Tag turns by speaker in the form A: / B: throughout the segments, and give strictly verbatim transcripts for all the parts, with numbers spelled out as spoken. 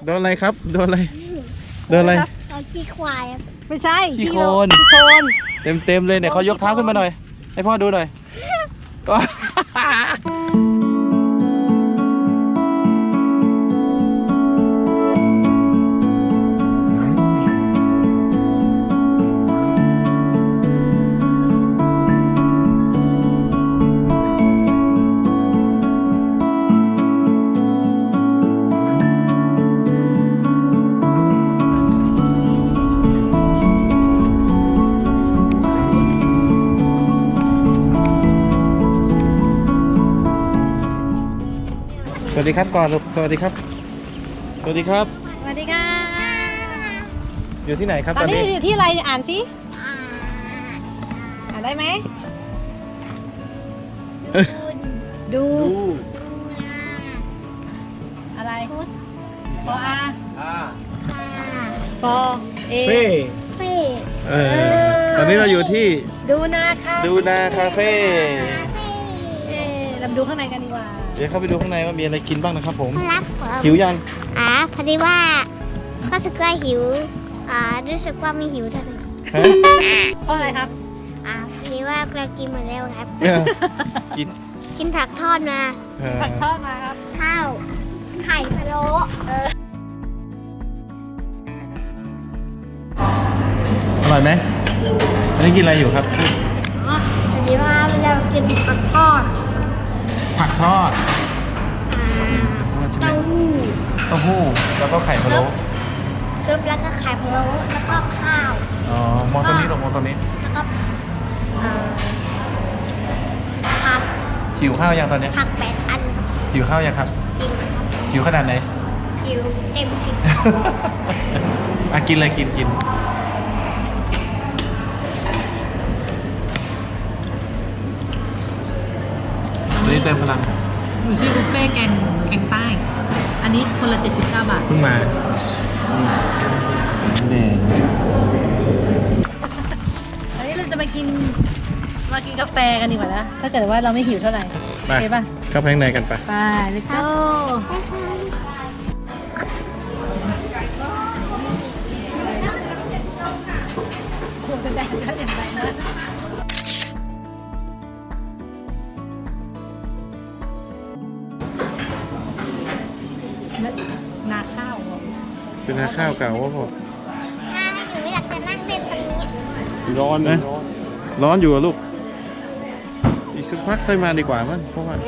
A: โดนอะไรครับโดนอะไรโดนอะไร
B: ขี้ควาย
C: ไม่ใช่
A: ขี้โคลน
C: ขี้โคลน
A: เต็มเต็มเลยเนี่ยเขายกเท้าขึ้นมาหน่อยให้พ่อดูหน่อยก็สวัสดีครับก่อนลูกสวัสดีครับสวัสดีครับ
C: สวัสดีค่ะ
A: อยู่ที่ไหนครับ
C: ต
A: ต
C: อ
A: อน น
C: นี้
A: นี้
C: อยู่ที่อะไรอ่านสิอ่านได้ไหมดูอะไรฟออาฟอเอ
B: เฟ่
A: เออตอนนี้เราอยู่ที่
C: ดูนาค่ะ
A: ดูนาคาเฟ่
C: เอ๊ะเรามาดูข้างในกันดีกว่า
A: เดี๋ยวเข้าไปดูข้างในว่ามีอะไรกินบ้างนะครับผม
B: รับผม
A: หิวยัง
B: อ่าพอดีว่าก็สึกว่าหิวอ่ารู้สึกว่าไม่หิวเท่าไหร่
A: ฮะ
C: เพราะอะไรครับ
B: อ่าพอดีว่าเรากินหมดแล้วครับ
A: กิน
B: กินผักทอดมา
C: ผักทอดมาครับ
B: ข้าวไข่พะโล้เออ
A: อร่อยไหมอันนี้กินอะไรอยู่ครับ
B: อ๋อพอดีว่าเรากินผักทอด
A: ผักทอด
B: เต้าหู้
A: เต้าหู้แล้วก็ไข่พะโล้
B: ซุปแล้วก็ไข่พะโล้แล้วก็ข้าว
A: อ๋อมองตัวนี้หรอมองตัวนี้
B: แล้วก็ผัก
A: หิวข้าวยังตอนนี้
B: ผักแปดอัน
A: หิวข้าวยังครับ
B: กินครับ
A: หิวขนาดไหน
B: หิวเต็มสิบ
A: อ่ะกินเลยกินกินนี่เติมพลัง
C: อยู่ที่บุฟเฟ่แกงแกงใต้อันนี้คนละเจ็ดสิบเก้าบาท
A: เพิ่งมาเนี่ย
C: อันนี้เราจะมากินมากินกาแฟกันดีกว่านะถ้าเกิดว่าเราไม่หิวเท่าไหร่โอเคป่ะ
A: เข้าไปข้างในกันไป
C: ไปเลยครับควรจะได้ก็อย่างไรนะนาข้าว
A: เป็นนาข้าวเก่าว่าพอ
B: ถ้าหนูอยากจะนั่งเล่นตรงนี้
A: ร้อนนะร้อนอยู่อะลูกอีกสักพักค่อยมาดีกว่ามั้งเพราะว่า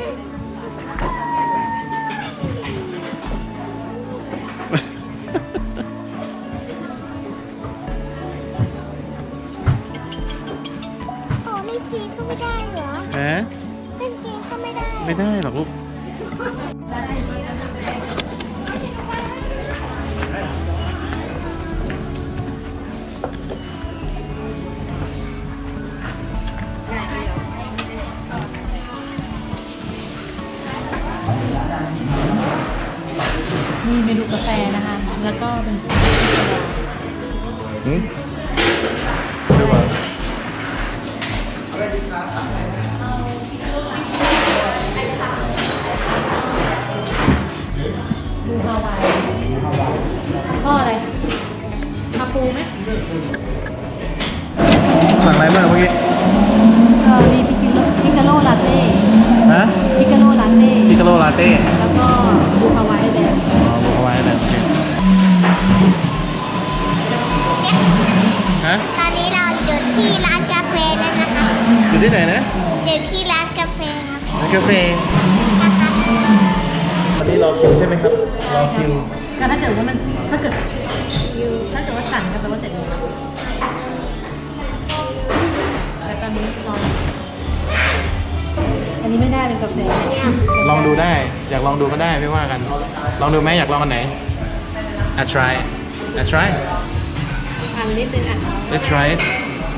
B: โอ้เล่นเกมก็ไม่ได้เหรอ
A: ฮะ
B: เล่นเกมก็ไม่ได้
A: ไม่ได้หรอกลูก
C: มีเมนูกาแฟนะคะ แล้วก็เป็น
A: อืมเดี๋ยวก่อน
C: ดูฮาวายพ่ออะไรคาปูไหม
A: สั่งอะไรบ้างเมื่อกี้
C: เออมีพิกพิกาโลลาเต้
A: ฮะ
C: พิกาโลลาเต้
A: พิกาโลลาเต้
C: แล้วก็บูฮาวายแดง
A: อ๋อบูฮาวายแดงโอเคฮะ
B: ตอนนี้เราอยู่ที่ร้านกาแฟแล้วนะคะ
A: อยู่ที่ไหนนะ
B: อยู่ที่ร้านกาแฟครับ
A: ร้านกาแฟตอนนี้รอคิวใช่ไหมครับรอคิว
C: ก็ถ้าเกิดว่ามันถ้าเกิดถ้าเกิดว่าสั่งก็แปลว่าเสร็จแล้วแต่ตอนนี้รออันนี้ไม่ได้เป็นกาแฟ
A: ลองดูได้อยากลองดูก็ได้ไม่ว่ากันลองดูไหมอยากลองอันไหน I try I try
C: อันนี้เป็นอัน
A: Let's try it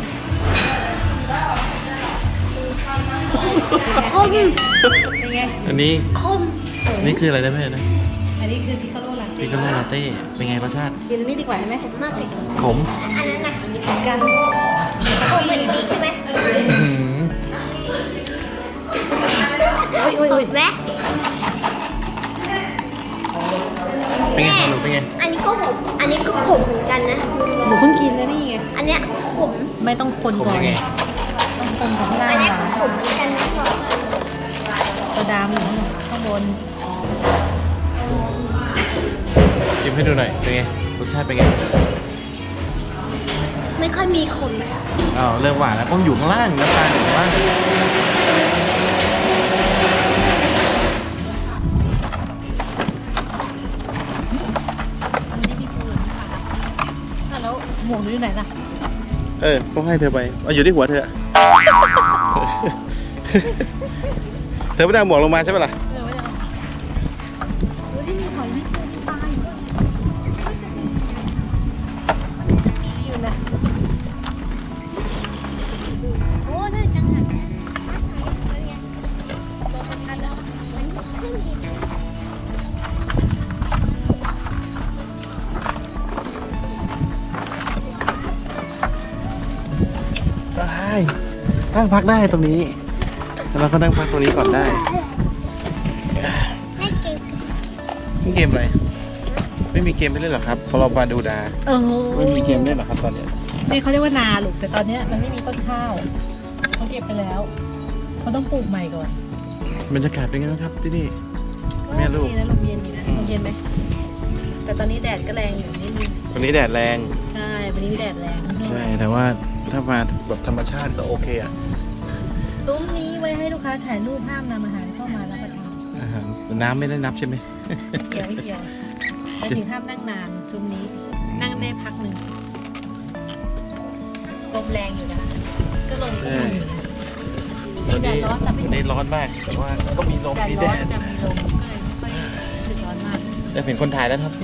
C: คมเป็นไง
A: อันนี้
C: คม
A: นี่คืออะไรได้ไหมนะ
C: อันนี้คือพิคาโลลาเต้
A: พิคาโลลาเต้เป็นไงรสชาติ
C: กินอันนี้ดีกว่าใช่ไหมขมมากเลย
A: ขม
B: อันนั้นน่ะ
C: อันนี้เหมือนกัน
B: ขมเหมือนนี้ใช่ไหม
C: อุ้ยอุ้ยอุ้ย
B: ไหม
A: เป็นไงหนูเป็นไง
B: อันนี้ก็ขมอันนี้ก็ขมเหมือนกันนะ
C: หนูเพิ่งกินนะนี่ไง
B: อันเนี้ยขม
C: ไม่ต้องคน
A: ขม
C: ก่อน
A: ยังไง
C: ต้องคนของล่า
B: อัน
C: ง
B: เนี้ย
C: ห
B: ก็
C: วาน
B: ขมเหมือนกันนะบอก
C: โซดาอยู่ข้างบน
A: ชิมให้ดูหน่อยเป็นไงรสชาติเป็นไง
B: ไม่ค่อยมีขมนะ
A: อ้าวเริ่มหวานแล้วต้องอยู่ข้างล่างน้ำตาลอยู่ข้างล่าง
C: แล้วหมวกอยู่ไหนล่ะ
A: เออต้องให้เธอไปเอาอยู่ที่หัวเธอ เธอไม่ได้เอาหมวกลงมาใช่ไหมล่ะ
C: เออไม่ได้เอาดูที่มีหอยนี่ตายอยู่นะ
B: โอ้ได้จังหวะเนี้ยเป็นไงบอกมันทันแล้วมันขึ้นอีก
A: ได้นั่งพักได้ตรงนี้เราก็นั่งพักตรงนี้ก่อนได้
B: ไม่เก็บ
A: นี่เกมอะไรไม่มีเกมไม่เล่นหรอครับพอเรามาดูดา
C: เออ
A: ไม่มีเกมเล่นหรอครับตอนเนี้ย
C: นี่เขาเรียกว่านาลูกแต่ตอนเนี้ยมันไม่มีต้นข้าวเขาเก็บไปแล้วเขาต้องปลูกใหม่ก่อน
A: บรรยากาศเป็นไงบ้างครับที่นี่ แม่ลูก
C: ดีนะลมเย็นดีนะลมเย็นไหมแต่ตอนนี้แดดก็แรงอยู่นิดนึง
A: วันนี้แดดแรง
C: ใช่วันนี้แดดแรงนิดนึง
A: ใช่แต่ว่าถ้ามาแบบธรรมชาติก็โอเคอ่ะ
C: ซุ้มนี้ไว้ให้ลูกค้าถ่ายรูปห้ามนำอาหารเข้ามารับประทาน
A: อาหารน้ำไม่ได้นับใช่ไหม
C: เกี่ยวไม่เกี่ยวแต่ถึงห้ามนั่งนานซุ้มนี้นั่งได้พักหนึ่งลมแรงอยู่นะก็ลมก็มีอยู่
A: วัน
C: แด
A: นี้
C: ดร้อนแต่ไม่
A: วันนี้ร้อนมากแต่ว่าก็มีลม
C: แดด
A: มี
C: ร้
A: แด
C: อน
A: ด
C: แต่มีลมก็เลยไม่ค่อยรู้สึกร้อนมาก
A: ได้เห็นคนถ่ายแล้วครับ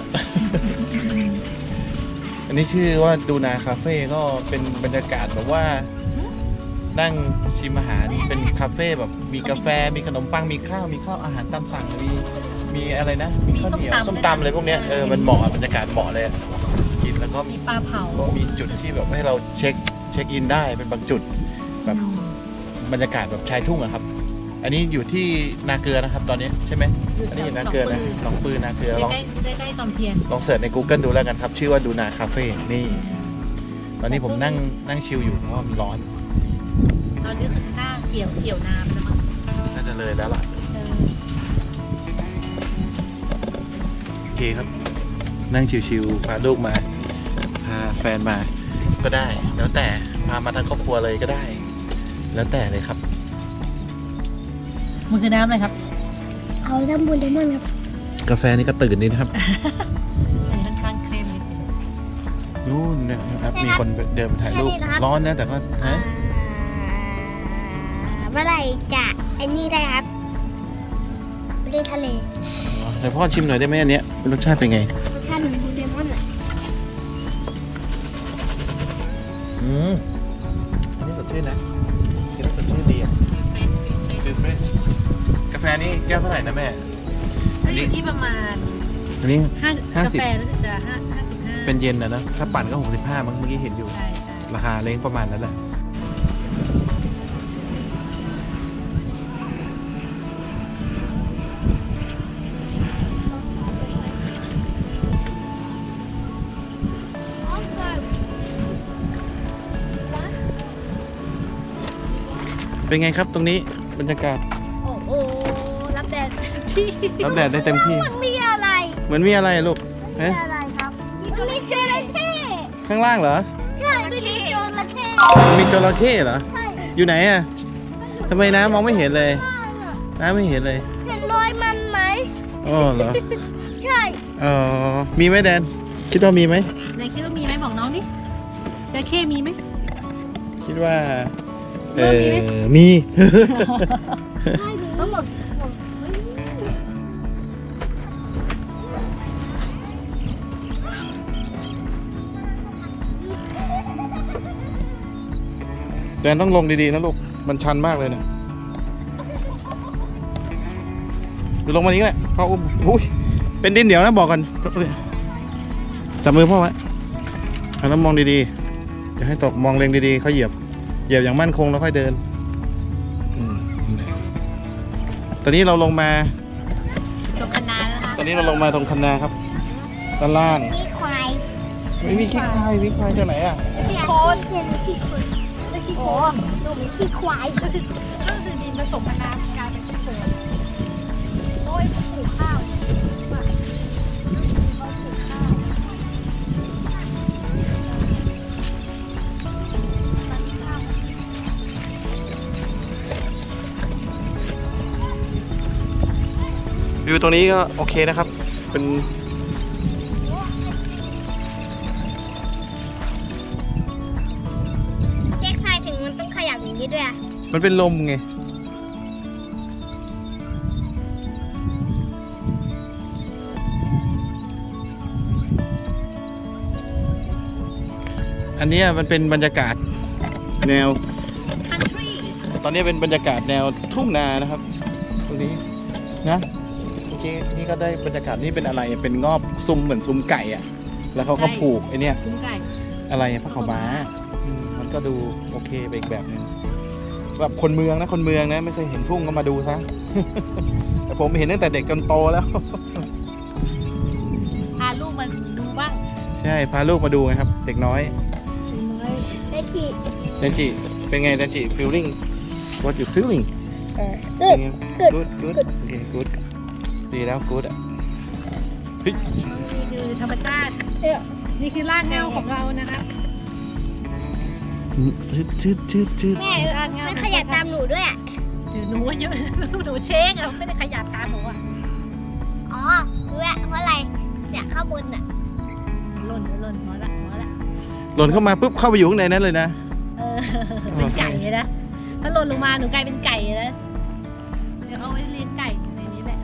A: อันนี้ชื่อว่าดูนาคาเฟ่ก็เป็นบรรยากาศแบบว่า นั่งชิมอาหารเป็นคาเฟ่แบบมีกาแฟมีขนมปังมีข้าวมีข้าวอาหารตามสั่งมีมีอะไรนะมีข้าวเหนียวส้มตำอะไรพวกเนี้ยเออมันเหมาะอะบรรยากาศเหมาะเลยอะกินแล้วก็
C: มี
A: มี
C: ปลาเผา
A: ก็มีจุดที่แบบให้เราเช็คเช็คอินได้เป็นบางจุดแบบบรรยากาศแบบชายทุ่งอะครับ อันนี้อยู่ที่นาเกลือนะครับ ตอนนี้ใช่ไหมอันนี้อยู่นาเกลือนะหนองปือนาเกลือลอง
C: ใกล้ใกล้ๆตอมเทียน
A: ลองเสิร์ชใน Google ดูแล้วกันครับ ชื่อว่าดูนาคาเฟ่นี่ ตอนนี้ผมนั่งนั่งชิลอยู่เพราะว่ามันร้อน
C: เรารู้สึกหน้าเกี่ยวเกี่ยวน้ำจะมั้ง
A: น่าจะเลยแล้วล่ะ
C: เออ
A: โอเคครับ นั่งชิวๆพาลูกมาพาแฟนมาก็ได้ แล้วแต่พามาทั้งครอบครัวเลยก็ได้ แล้วแต่เลยครับ
C: มันคือน้ำอะไรครับ
B: เอาน้ำบุญเลมอนครับ
A: กาแฟนี่ก็ตื่นนิดนะครับ
C: อันนี้ค่อนข้างเครมนิดนึง
A: นู่นเนะครับ มีคนเดินไปถ่ายรูปร้อนนะแต่ก็ฮะ
B: อ่าเมื่อไหร่จะไอ้นี่ได้ครับไปเล่นทะเล
A: เดี๋ยวพ่อชิมหน่อยได้ไหมอันเนี้ยรสชาติเป็นไง
B: รสชาติเหมือนบุญเลมอนอ่ะ
A: อืมอันนี้สดชื่นนะกินแล้วสดชื่นดีอ่ะ
C: เฟรชเฟรช
A: คือเฟรชกาแฟนี่แก้วเท่าไหร่นะแม่
C: ก็อยู่ที่ประมาณ
A: อันนี้
C: ห้า
A: ห้าสิบ
C: กาแฟรู้สึกจะห้าห้าสิบห้า
A: เป็นเย็นนะนะถ้าปั่นก็หกสิบห้ามั้งเมื่อกี้เห็นอยู่
C: ใช่ใช่
A: ราคาเล้งประมาณนั้นแหละเป็นไงครับตรงนี้บรรยากาศ
C: โอ้โหรับแดดเต็มที่
A: รับแดดได้เต็มที่
B: มันมีอะไร
A: เหมือนมีอะไรอะลูก
B: มี
A: เอ๊ะ
B: อะไรครับ มีจระเข้
A: ข้างล่างเหรอ
B: ใช่ไม่มีจระเข้
A: มีจระเข้เหรอ
B: ใช่
A: อยู่ไหนอะทำไมน้ำมองไม่เห็นเลยน้ำไม่เห็นเลย
B: เห็นรอยมันไหม
A: อ๋อเหรอ
B: ใช่
A: อ๋อมีไหมแดน คิดว่ามีไหม
C: ไหนคิดว่ามีไหมบอกน้องดิจระเข้มีไหม
A: คิดว่า เอ
C: ว่ามี
A: อ
C: ไหม
A: มี
C: ต้องหมด
A: แดนต้องลงดีๆนะลูก มันชันมากเลยเนี่ยเดี๋ยวลงมานี้แหละพ่ออุ้มอุ้ยเป็นดินเหนียวนะบอกกันจับมือพ่อไว้เอาแล้วมองดีๆอย่าให้ตกมองเล็งดีๆเขาเหยียบ เหยียบอย่างมั่นคงแล้วค่อยเดินอืมตอนนี้เราลงมา
C: ตกคณะแล้วนะ
A: ตอนนี้เราลงมาตรงคันนาครับด้านล่าง
B: ขี้ควาย
A: ไม่มีขี้ควายมีควายจากไหนอ่ะ
B: ขี้โคนเห็นขี้โคนแล้วขี้โคนหนูมีขี้ควาย
C: ก็คือก็คือดินผสมกับน้ำกลายเป็นขี้โคลนโอ้ยปลูกข้าวว่าเขาปลูกข้าวตอนนี้ข้าว
A: วิวตรงนี้ก็โอเคนะครับ เป็น
B: แจ็คพายถึงมันต้องขยับอย่างนี้ด้วยอะ
A: มันเป็นลมไง อันเนี้ยมันเป็นบรรยากาศแนว
C: country
A: ตอนนี้เป็นบรรยากาศแนวทุ่งนานะครับ ตรงนี้นะเมื่อกี้นี่ก็ได้บรรยากาศนี่เป็นอะไรเป็นงอบซุ้มเหมือนซุ้มไก่อะแล้วเขาก็ผูกไอเนี้ย
C: ชุ้งไก่
A: อะไรอะผ้าขาวม้าอืมมันก็ดูโอเคไปอีกแบบหนึงแบบคนเมืองนะคนเมืองนะไม่เคยเห็นทุ่งก็มาดูซะ แต่ผมเห็นตั้งแต่เด็กจนโตแล้ว
C: พาลูกมาดูบ้าง
A: ใช่พาลูกมาดูไงครับ เด็กน้อย
C: ดูน้อย
B: ได้ขี่
A: เดนจิเป็นไงเดนจิ feeling what you feeling
B: เออ
A: เป็นไง good good โอเค good ดีแล้ว good อ่ะเฮ้ย
C: นี่คือธรรมชาตินี่คือรากเหง้าของเรานะคะ
A: ชืดชืดชืดชืด
B: แม่มันขยับตามหนูด้วยอะ
C: เดี๋ยวหนูว่าเยอะ หนูเชงอะไม่ได้ขยับตามหนูอะ
B: อ๋อรู้แล้วเพราะอะไรเนี่ยข้างบนอะ
C: หล่นหล่นหมอละหมอละ
A: หล่นเข้ามาปุ๊บเข้าไปอยู่ข้างในนั้นเลยนะ
C: เออเป็นไก่เลยนะถ้าหล่นลงมาหนูกลายเป็นไก่เลยนะเดี๋ยวเอาไว้เลี้ยงไก่ในนี้แหละ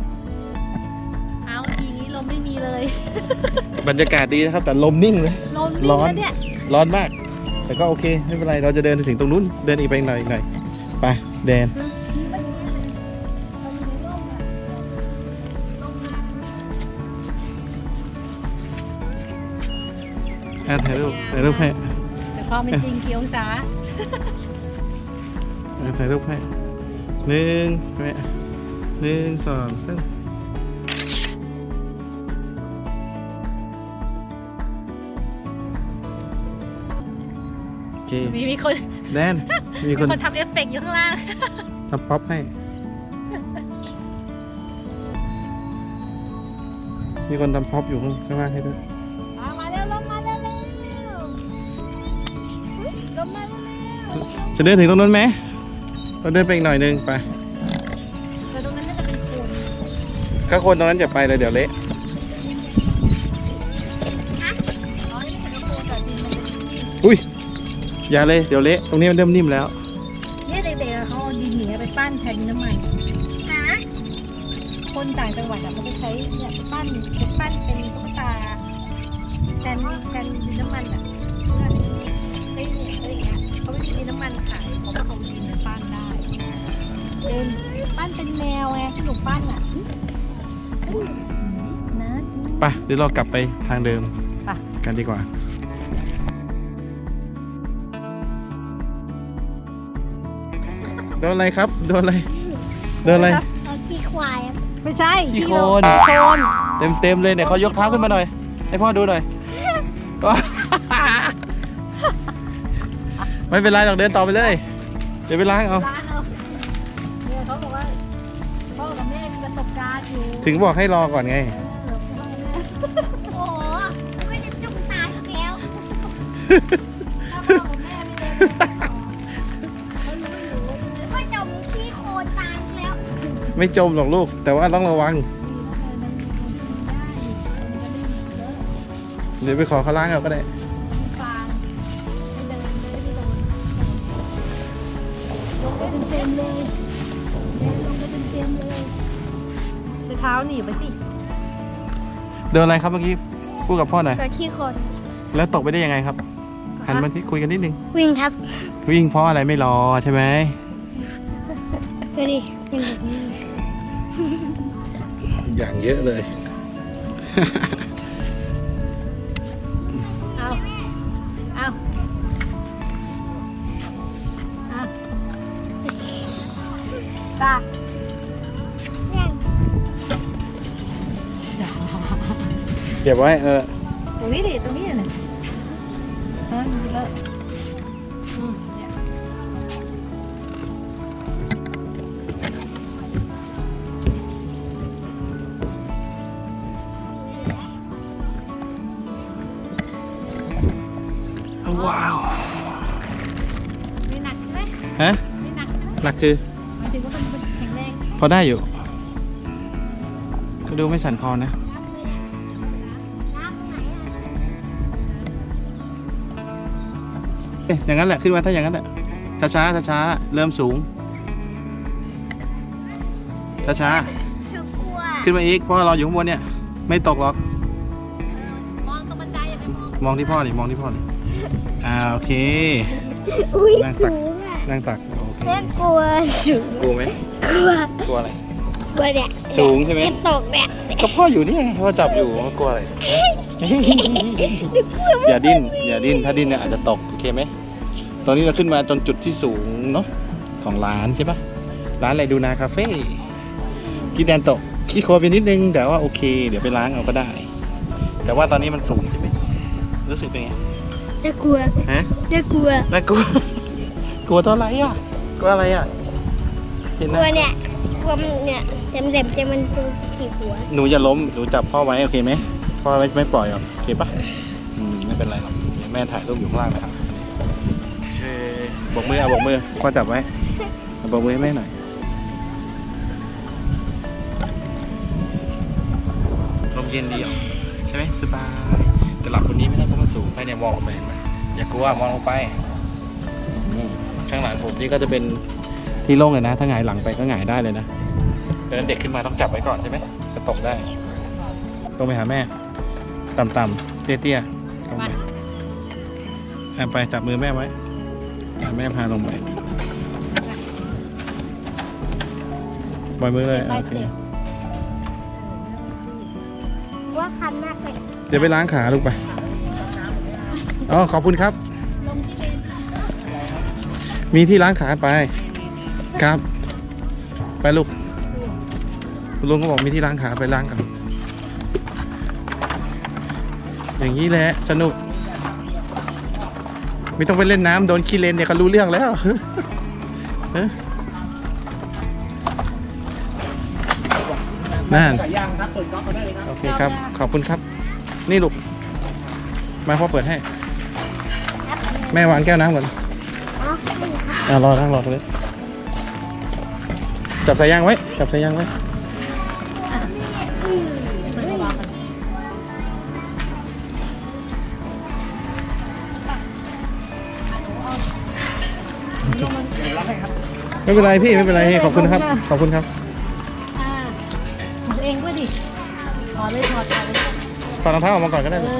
C: เอาทีนี้ลมไม่มีเลย
A: บรรยากาศดีนะครับ แต่ลมนิ่งเลย
C: ลม
A: ร้อน
C: นิ่งแล้วเนี่ย
A: ร้อนมาก แต่ก็โอเคไม่เป็นไรเราจะเดินไปถึงตรงนู้นเดินอีกไปอีกหน่อยอีกหน่อยไปแดนอ่ะถ่ายรูปถ่ายรูปให้
C: แต่พอเป็นจริงกี่องศา
A: อ่ะถ่ายรูปให้หนึ่งแม่หนึ่งสองสามโอเค
C: มีมีคน
A: แดนมี
C: มี
A: คน
C: คนทำเอฟเฟกต์อยู่ข้างล่าง
A: ทำป๊อปให้ มีคนทำป๊อปอยู่ข้างล่างให้ด้วย
C: มามาเร็วลงมาเร็วเร็วลงมาเร็ว
A: จะเดินถึงตรงนั้นไหมเราเดินไปอีกหน่อยนึงไป
C: แต่ตรงนั้นน่าจะเป็นโคน
A: ถ้าคนตรงนั้นอย่าไปเลยเดี๋ยวเละ
C: อ๋อนี่ไม่ใช่โคนแต่ดินมันจะนิ่ม
A: อุ้ยอย่าเลยเดี๋ยวเละตรงนี้มันเริ่มนิ่มแล้ว
C: เนี่ยเด็กๆเขาเอาดินเหนียวไปปั้นแทนดินน้ำมัน
B: หา
C: คนต่างจังหวัดอะเขาไปใช้เนี่ยปั้นเป็นปั้นเป็นตุ๊กตาแทนแทนดินน้ำมันอะเพื่อให้เนี่ยอะไรอย่างเงี้ยเขาไม่มีดินน้ำมันขายเขาก็เอาดินมาปั้นได้เป็นปั้นเป็นแมวไงที่หนูปั้นอะนะ
A: ไปเดี๋ยวเรากลับไปทางเดิม
C: ไป
A: กันดีกว่าโดนอะไรครับโดนอะไรโดนอะไร
B: เอาขี้ควายอะ
C: ไม่ใช่
A: ขี้โคลน
C: โคน
A: เต็มเต็มๆเลยเนี่ยเขายกเท้าขึ้นมาหน่อยให้พ่อดูหน่อย ก็ ไม่เป็นไรหรอกเดินต่อไปเลยเดี๋ยวไปล้างเอา
C: ร้านเอาเนี่ยเขาบอกว่าพ่อกับแม่มีประสบการณ์อยู่
A: ถึงบอกให้รอก่อนไง
C: เออพ่อแม่
B: โอ้โหก็จะจุ่มตายแล้ว
C: ถ้าพ่อกับแม่ไม่เดินเขารู้อยู่ว่าจะ
B: ก็จมขี้โคลนตายแล้ว
A: ไม่จมหรอกลูก แต่ว่าต้องระวัง เดี๋ยวไปขอเขาล้างเอาก็ได้
C: เท้าหนีไปสิ
A: เดินอะไรครับเมื่อกี้พูดกับพ่อหน่อย
B: ตัวขี้โคลน
A: แล้วตกไปได้ยังไงครับ หันมาที่คุยกันนิดนึง
B: วิ่งครับ
A: วิ่งเพราะอะไรไม่รอใช่ไหม
B: ดูดิเป็นแบบนี้
A: อย่างเยอะเลย
C: เอาเอาเอาตา
A: เก็บไว้เออ
C: ตรงนี้ดิตรงนี้น่ะฮะมันเลอะอืมเนี่ย
A: ว้าว
C: ไม่หนักใช่ไหม
A: ฮะ
C: ไม่หนักใช่ไหม
A: หนักคือ
C: หมายถึงว่ามันแข็งแรง
A: พอได้อยู่ก็ดูไม่สั่นคอนะเอ๊ะอย่างนั้นแหละขึ้นมาถ้าอย่างนั้นแหละช้าช้าช้าช้าๆเริ่มสูงช้าช้า
B: ฉันกลัว
A: ๆขึ้นมาอีกเพราะว่าเราอยู่ข้างบนเนี่ยไม่ตกหรอก
C: มองตรงบันไดอย่าไปมอง
A: มองที่พ่อดิมองที่พ่อดิอ่าโอเค
B: อุ้ย
A: นั่งตั
B: สู
A: ก
B: งอ่ะ
A: นั่งตักโอเค
B: ฉันกลัวสูง
A: กลัวไหม
B: กลัว
A: กลัวอะไร
B: กลัวเนี่ย
A: สูงใช่ไหม
B: จะตกเนี่ย
A: ก็พ่ออยู่นี่ไงพ่อจับอยู่กลัวอะไร อย่าดิ้นอย่าดิ้นถ้าดิ้นเนี่ยอาจจะตกโอเคไหมตอนนี้เราขึ้นมาจนจุดที่สูงเนาะของร้านใช่ปะร้านอะไรดูนาคาเฟ่คิดแดนโตะขี้โคลนไปนิดนึงแต่ว่าโอเค เดี๋ยวไปล้างเอาก็ได้ แต่ว่าตอนนี้มันสูงใช่ไหมรู้สึกเป็นไง
B: น่ากลัว
A: ฮะ
B: น่ากลัว
A: น่ากลัว กลัวตัวอะไรอ่ะกลัวอะไรอ่ะเห็น
B: ก
A: นะ
B: ลัวเนี่ยกลัวมันเนี่ยเต็มเต็มจะมันตัวถีบหัว
A: หนูอย่าล้มหนูจับพ่อไว้โอเคไหมพ่อไม่ไม่ปล่อยหรอกโอเคปะอืมไม่เป็นไรหรอกเดี๋ยวแม่ถ่ายรูปอยู่ข้างล่างนะครับโอเคบอกมือเอาบอกมือพ่อจับไว้เอาบอกมือให้แม่หน่อยลมเย็นดีอ่ะใช่ไหมสบายแต่หลับคนนี้ไม่ได้เพราะมันสูงไปเนี่ยมองลงไปเห็นไหมอย่ากลัวมองลงไปอืมข้างหลังผมนี่ก็จะเป็นที่โล่งเลยนะ ถ้าหงายหลังไปก็หงายได้เลยนะดังนั้นเด็กขึ้นมาต้องจับไว้ก่อนใช่ไหมจะตกได้ต้องไปหาแม่ต่ำๆเตี้ยๆลงไปแอบไปจับมือแม่ไว้แม่พาลงไปปล่อยมือเลยโอเค
B: ว่าคันมากเลย
A: เดี๋ยวไปล้างขาลูกไปอ๋อขอบคุณครับ
C: ลงที่เลน
A: มีที่ล้างขาไปครับ ไปลูกคุณลุงก็บอกมีที่ล้างขาไปล้างกัน อย่างนี้แหละสนุก ไม่ต้องไปเล่นน้ำโดนขี้เลนเนี่ยเขารู้เรื่องแล้ว เอ้ยนั่นโอเคครับ ขอบคุณครับ นี่ลูก มาพ่อเปิดให้ แม่วางแก้วน้ำก่อน
B: อ๋อนี่ครับ
A: อ่ารอนั่งรอตรงนี้จับสายยางไว้ จับสายยางไว้
C: เปิดวางกัน
A: ไม่เป็นไรพี่ไม่เป็นไรขอบคุณครับ ขอบคุณครับ
C: อ่าของตัวเองด้วยดิถอดเลยถอดถอดเลย
A: ถอดรองเท้าออกมาก่อนก็ได้
C: เอ
A: ลูก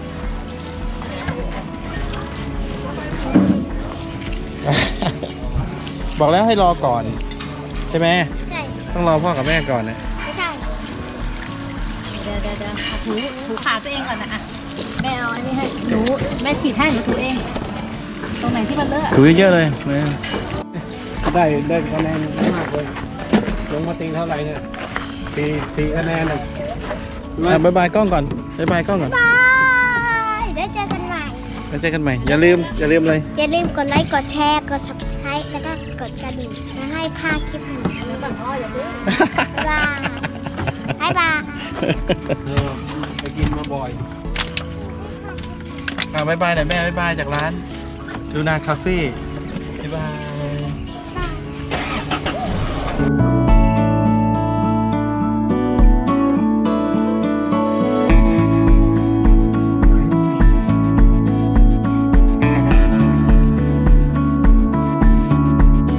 C: อ
A: บอกแล้วให้รอก่อน ใช่ไหม
B: ใช่
A: ต้องรอพ่อกับแม่ก่อนนะ
B: ไม่ใช่
C: เดี๋ยวเดี๋ยวเดี๋ยวเอาถูถูขาตัวเองก่อนนะอ่ะแม่เอาอันนี้ให้หนูแม่ฉีดให้หนูถูเอง ตรงไหนที่มันเลอะ
A: ถูเยอะๆเลย
D: ได้ได้คะแนนมากเลยลงมาตีเท่าไหร่เนี่ยตีตีคะแนนน่ะ
A: อ่ะบายบายกล้องก่อนบายบายกล้องก่อน
B: บายเดี๋ยวเจอกันใหม่
A: แล้วเจอกันใหม่ อย่าลืม อย่าลืมเลย
B: อย่าลืมกดไลค์ กดแชร์ กด ซับสไครบ์ แล้วก็กดกระดิ่งมาให้พลาดคลิปใหม่
C: แล้วก่อนพ่ออย่าเพิ่ง
B: บ๊ายบายบ๊ายบาย
D: เออไปกินมาบ่อย
A: อ่ะบายบายหน่อยแม่บายบายจากร้านดูนาคาเฟ่บายบาย